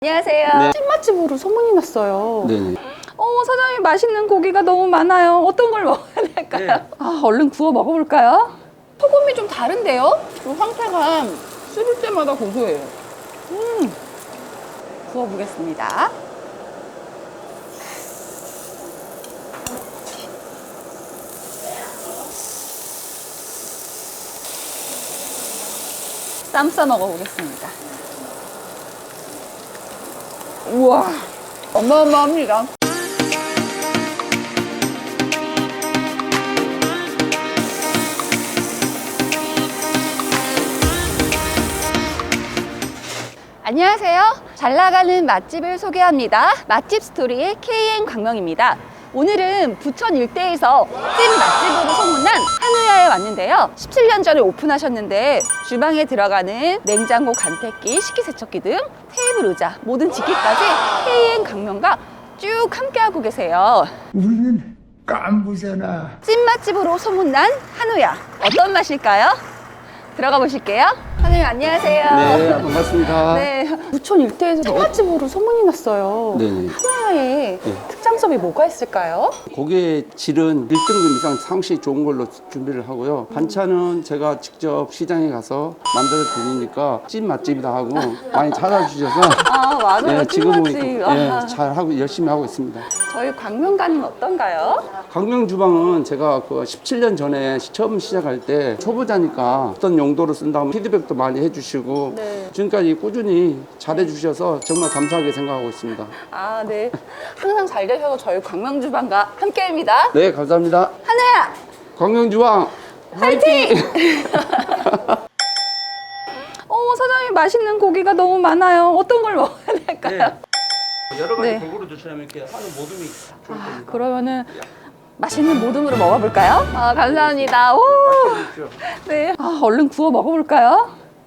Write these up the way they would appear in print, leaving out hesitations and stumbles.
안녕하세요. 네. 찐맛집으로 소문이 났어요. 네. 사장님 맛있는 고기가 너무 많아요. 어떤 걸 먹어야 될까요? 네. 얼른 구워 먹어볼까요? 소금이 좀 다른데요? 그 황태가 씹을 때마다 고소해요. 구워보겠습니다. 쌈 싸 먹어보겠습니다. 우와, 어마어마합니다. 안녕하세요. 잘 나가는 맛집을 소개합니다. 맛집 스토리의 KN 광명입니다. 오늘은 부천 일대에서 찐 맛집으로 소문난 한우야에 왔는데요. 17년 전에 오픈하셨는데 주방에 들어가는 냉장고, 간택기, 식기세척기 등 테이블, 의자, 모든 직기까지 KN 광명과 쭉 함께하고 계세요. 우리는 깐부잖아. 찐 맛집으로 소문난 한우야. 어떤 맛일까요? 들어가 보실게요. 사장님 안녕하세요. 네, 반갑습니다. 네, 부천 일대에서 찐맛집으로 소문이 났어요. 네. 한우야의 특장점이 뭐가 있을까요? 고기의 질은 1등급 이상 상시 좋은 걸로 준비를 하고요. 반찬은 제가 직접 시장에 가서 만들어 드리니까 찐 맛집이다 하고 많이 찾아주셔서 맞아요. 네, 지금은 찐맛집. 잘 하고 열심히 하고 있습니다. 저희 광명가는 어떤가요? 광명 주방은 제가 그 17년 전에 처음 시작할 때 초보자니까 어떤 용도로 쓴다고 피드백도 많이 해주시고 네. 지금까지 꾸준히 잘해주셔서 정말 감사하게 생각하고 있습니다. 네. 항상 잘 되셔서 저희 광명주방과 함께합니다. 네, 감사합니다. 한우야! 광명 주방 화이팅! 사장님 맛있는 고기가 너무 많아요. 어떤 걸 먹어야 될까요? 여러 가지 네. 골고루 드시려면 이렇게 한우 모듬이 좋을 겁니다. 그러면은 맛있는 모듬으로 먹어볼까요? 감사합니다. 오! 네. 얼른 구워 먹어볼까요?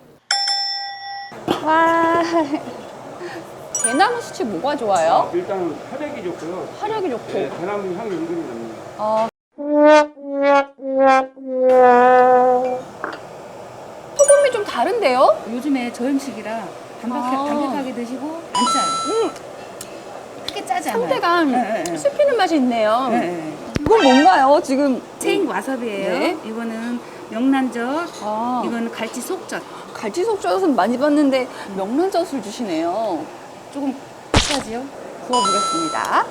와. 대나무 수치 뭐가 좋아요? 일단 화력이 좋고요. 화력이 좋고. 네, 대나무 향이 은근히 납니다. 소금이 좀 다른데요? 요즘에 저염식이라 담백하게 드시고 안 짜요. 크게 짜지 않아요. 상대가 네, 네. 씹히는 맛이 있네요. 네, 네. 이건 뭔가요? 지금 체인 와사비예요. 네. 이거는 명란젓, 아. 이거는 갈치 속젓. 갈치속젓은 많이 봤는데 명란젓을 주시네요. 조금 비싸지요? 구워보겠습니다.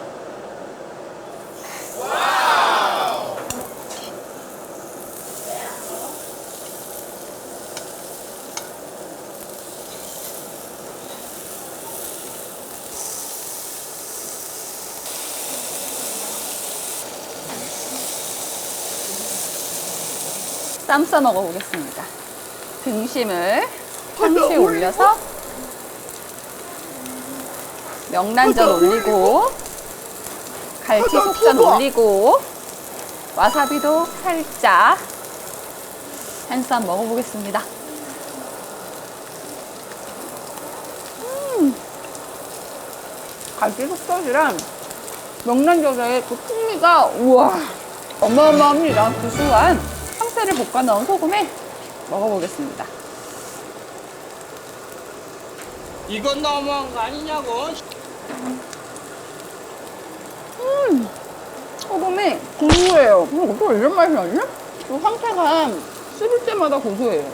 쌈 싸 먹어보겠습니다. 등심을 상추에 올려서 명란젓 올리고 갈치 속젓 올리고 와사비도 살짝 한 쌈 먹어보겠습니다. 갈치 속젓이랑 명란젓의 그 풍미가 우와 어마어마합니다. 구수한 황태를 볶아 넣은 소금에 먹어보겠습니다. 이건 너무한 거 아니냐고. 소금이 고소해요. 어떻게 이런 맛이 나지? 그 황태가 씹을 때마다 고소해요.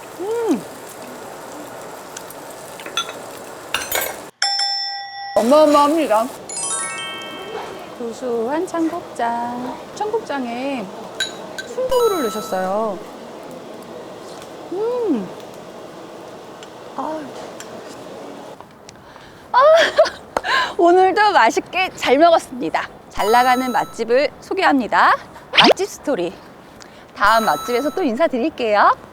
어마어마합니다. 고소한 청국장. 청국장에 순두부를 넣으셨어요. 오늘도 맛있게 잘 먹었습니다. 잘 나가는 맛집을 소개합니다. 맛집 스토리. 다음 맛집에서 또 인사드릴게요.